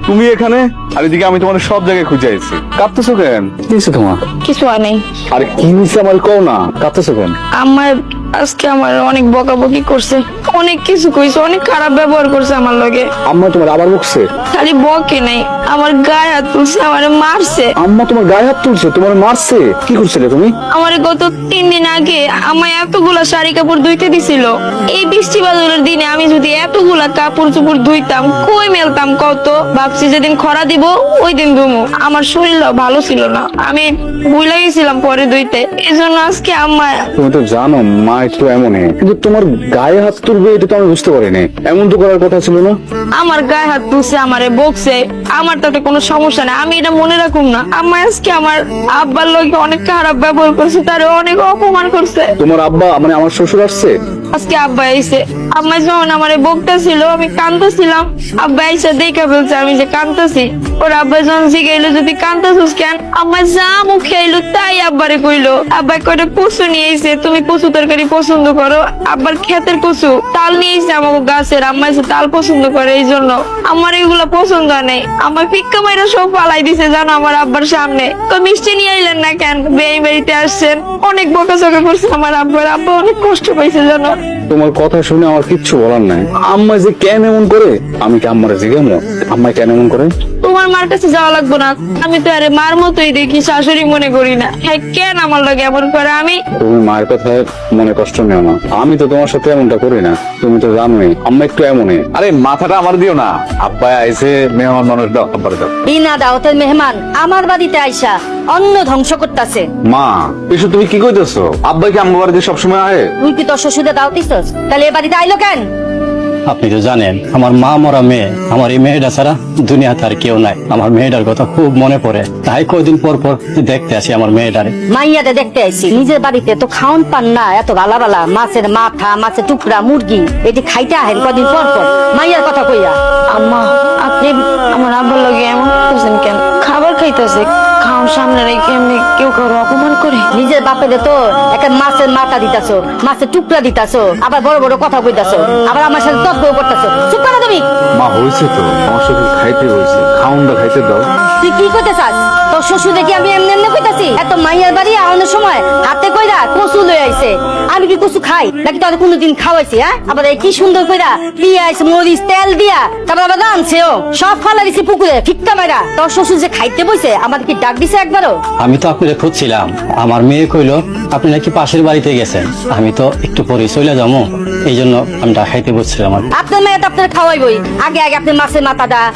তুমি এখানে আর এদিকে আমি তোমার সব জায়গায় খুঁজে আইছি। কাঁদতেছো কেন? কি হয়েছে তোমার? কিছু হয় নাই। আরে কি হয়েছে আমার কও না, কাঁদতেছো কেন? আমার আজকে আমার অনেক বকাবকি করছে, অনেক কিছু কইছে, অনেক খারাপ ব্যবহার করছে আমার লগে। আম্মা তোমার আবার বকছে? খালি বকে নাই, আমার গায়ে হাত তুলছে, আমারে মারছে। আম্মা তোমার গায়ে হাত তুলছে, তোমার মারছে? কি করছিলে তুমি? আমারে গত 3 দিন আগে আমায় এতগুলা শাড়ি কাপড় ধুইতে দিছিল। এই বৃষ্টি বাদলের দিনে আমি যদি এতগুলা কাপড় চোপড় ধুইতাম, কই মেলতাম কত? ভাবছি যেদিন খরা দিব ওই দিন ধুমু। আমার শরীর ভালো ছিল না, আমি ভুলে গেছিলাম পরে ধুইতে, এজন্য আজকে আম্মা। তুমি তো জানো মা একটু এমনই, কিন্তু তোমার গায়ে হাত তুলবে এটা তো আমি বুঝতে পারিনি। এমন তো করার কথা ছিল না। আমার গায়ে হাত তুলছে, আমারে বকছে, আমার তাতে কোনো সমস্যা নেই, আমি এটা মনে রাখুম না। আম্মা আজকে আমার আব্বার লোকে অনেক খারাপ ব্যবহার করছে, তারে অনেক অপমান করছে। তোমার আব্বা মানে আমার শ্বশুর আসছে? আজকে আব্বা আইছে, আম্মা যখন আমারে বকতেছিল আমি কাঁদতেছিলাম, আব্বা আইসা দেখা ফেলছে আমি যে কাঁদতেছি। ওর আব্বা যখন জিগাইলো যদি কাঁদতেছিস কেন, আম্মা যা মুখে আইলো তাই আব্বারে কইলো। আব্বা কয়টা কচু নিয়ে আইছে, তুমি কচু তরকারি পছন্দ করো, আব্বার ক্ষেতের কচু তাল নিয়ে আইছে আমাকে গাছের, আম্মা এসে তাল পছন্দ করে, এই জন্য আমার এগুলা পছন্দ নেই। আমার ফিক্কা মাইরা সব পালাই দিছে জানো আমার আব্বার সামনে। তো মিষ্টি নিয়ে আইলেন না কেন, বেই বাড়িতে আসছেন, অনেক বকাঝকা করছে আমার আব্বার। আব্বা অনেক কষ্ট পাইছে জানো। তোমার কথা শুনে আমার কিচ্ছু বলার নাই। আম্মা যে কেন এমন করে, আমি কি আম্মারে জিজ্ঞাসা আম্মা কেন এমন করে? তোমার মার কাছে যাওয়া লাগবো না, আমি তো আরে মার মতোই দেখি, শাশুড়ি মনে করি না। হ্যাঁ কেন আমার লাগে এমন করে? আমি তুমি মায়ের কথায় মনে কষ্ট নিও না, আমি তো তোমার সাথে এমনটা করি না, তুমি তো জানোই আম্মা একটু এমনই। আরে মাথাটা আমার দিও না, আব্বা আইসে মেহমান মানুষ, দাও আব্বারে দাও। বিনা দাওয়াতের মেহমান আমার বাড়িতে আইসা অন্ন ধ্বংস করতেছে। মা এসব তুমি কি কইতেছো? আব্বা কি আমার বাড়িতে সবসময় আয়? তুই কি তোর শ্বশুরে দাও দিছস? তাহলে এ বাড়িতে আইলো কেন? আপনি তো জানেন আমার মা মরা মেয়ে, আমার এই মেয়েটা ছাড়া দুনিয়াতে আর কেউ নাই। আমার মেয়েটার কথা খুব মনে পড়ে, তাই কয়দিন পর পর দেখতে আসি আমার মেয়েটারে। মাইয়াতে দেখতে আইছি, নিজের বাড়িতে তো খাওন পান না, এত বালা বালা মাছের মাথা, মাছের টুকরা, মুরগি এটি খাইতে আহেন কদিন পর পর। মাইয়ার কথা কইয়া আম্মা আপনি আমার আব্বার লগে এমন করছেন কেন? খাবার খাইতেছে, খাওয়ার সামনে রেখে এমনি কেউ কারো অপমান করে? নিজের বাপেরে তো একটা মাছের মাথা দিতাছো, মাছের টুকরা দিতাছো, আবার বড় বড় কথা কইতাছো, আবার আমার সাথে তর্ক করতেছো। চুপ করো তুমি। মা হয়েছে তো, আমার সাথে খাইতে হয়েছে, খাউনটা খাইতে দাও। তুই কি কইতে চাস? তোর শ্বশুর দেখি আমি এমনি এমনি কইতাছি? এত মাইয়ার বাড়ি আওয়ানোর সময় হাতে কইরা কচু লই আইছে, আমি কি কচু খাই নাকি তোর কোনোদিন খাওয়াইছি? হ্যাঁ, আবার এই কি সুন্দর কইরা পিঁয়াজ মরিচ তেল দিয়া তারপর আবার রাঁধছেও, সব ফালা দিছি পুকুরে ফিক্কা মাইরা। তোর শ্বশুর যে খাইতে বইছে আমার কি ডাক দিছে একবারও? আমি তো আপনাকে খুঁজছিলাম, আমার মেয়ে কইলো আপনি নাকি পাশের বাড়িতে গেছেন, আমি তো একটু পরে চলে যাবো, এই জন্য আমি ডাকাইতে বসছিলাম। আপনার মেয়ে তো আপনার খাওয়াইবই, আগে আগে আপনি মাছের মাথাটা